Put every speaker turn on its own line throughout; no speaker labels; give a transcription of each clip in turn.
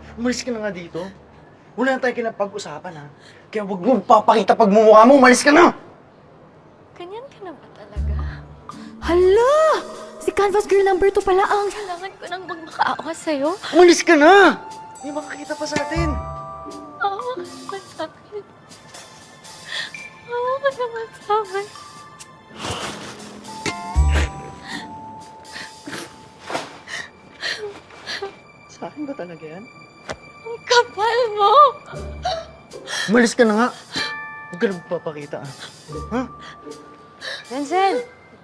Umalis ka na nga dito. Wala na tayo kinapag-usapan, ha? Kaya huwag mo papakita pagmumukha mo. Umalis ka na!
Ganyan ka na ba talaga?
Hala! Si Canvas Girl number 2 pala ang...
Kailangan ko nang magmakaawa sa'yo.
Umalis ka na! May makakita pa sa atin.
Maawa ka naman sa akin. Maawa ka naman sa akin.
Sa akin ba talaga yan?
Ang kapal mo!
Umalis ka na nga. Huwag ka na magpapakita, ha? Ha?
Denzel!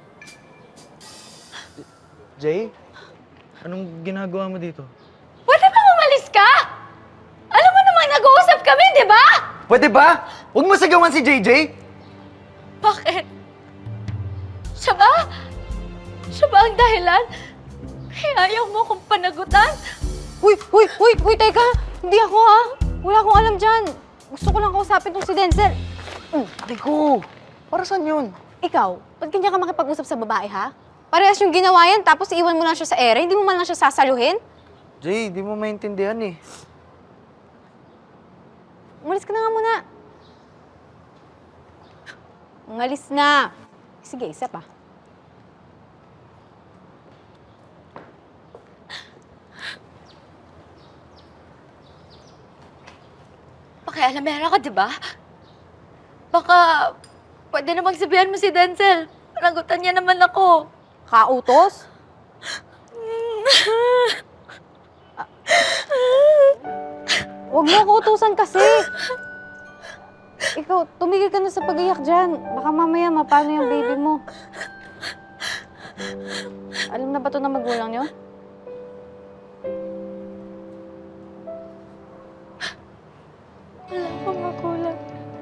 Jay? Anong ginagawa mo dito?
Pwede bang umalis ka? Alam mo namang nag-uusap kami, di ba?
Pwede ba? Huwag mo sagawan si JJ!
Bakit? Siya ba? Siya ba ang dahilan? Kaya ayaw mo akong panagutan?
Uy, teka! Hindi ako Wala akong alam dyan. Gusto ko lang kausapin tong si Denzel.
Aray ko! Para saan yun?
Ikaw, ba't ganyan ka makipag-usap sa babae, ha? Parehas yung ginawa yan, tapos iwan mo lang siya sa ere, hindi mo man lang siya sasaluhin?
Jay, di mo maintindihan eh.
Umalis ka na nga muna. Umalis na. Sige, isa pa.
Pakialamera ka, di ba? Baka pwede namang sabihan mo si Denzel. Panagutan niya naman ako.
Kautos? Huwag mo ako utusan kasi. Ikaw, tumigil ka na sa pag-iyak dyan. Baka mamaya mapano yung baby mo. Alam na ba ito ng magulang niyo?
Wala akong magulang.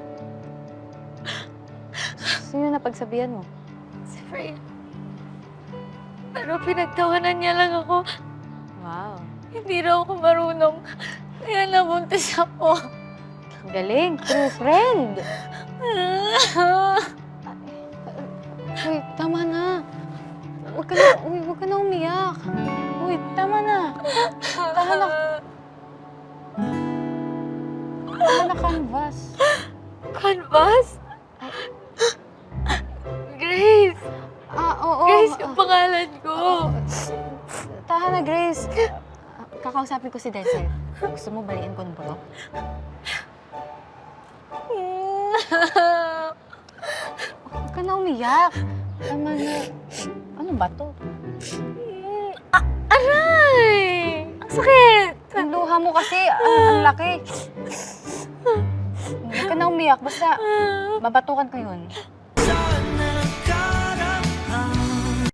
Sino na pagsabihan mo?
Si Freya. Pero pinagtawanan niya lang ako.
Wow.
Hindi raw ako marunong. Kaya nabuntis ako.
Ang galing. True friend. Uy, tama na. Huwag ka na umiyak. Uy, tama na. Tama na. Tama na, Canvas.
Canvas? Grace!
Oo.
Grace yung pangalan ko.
Tahan na, Grace. Kakausapin ko si Denzel. Gusto mo baliin ko ng bulok? Huwag ka na umiyak. Tama na. Ano ba to?
Aray! Ang sakit!
Ang luha mo kasi, ang laki. Huwag ka na umiyak. Basta, babatukan ko yun.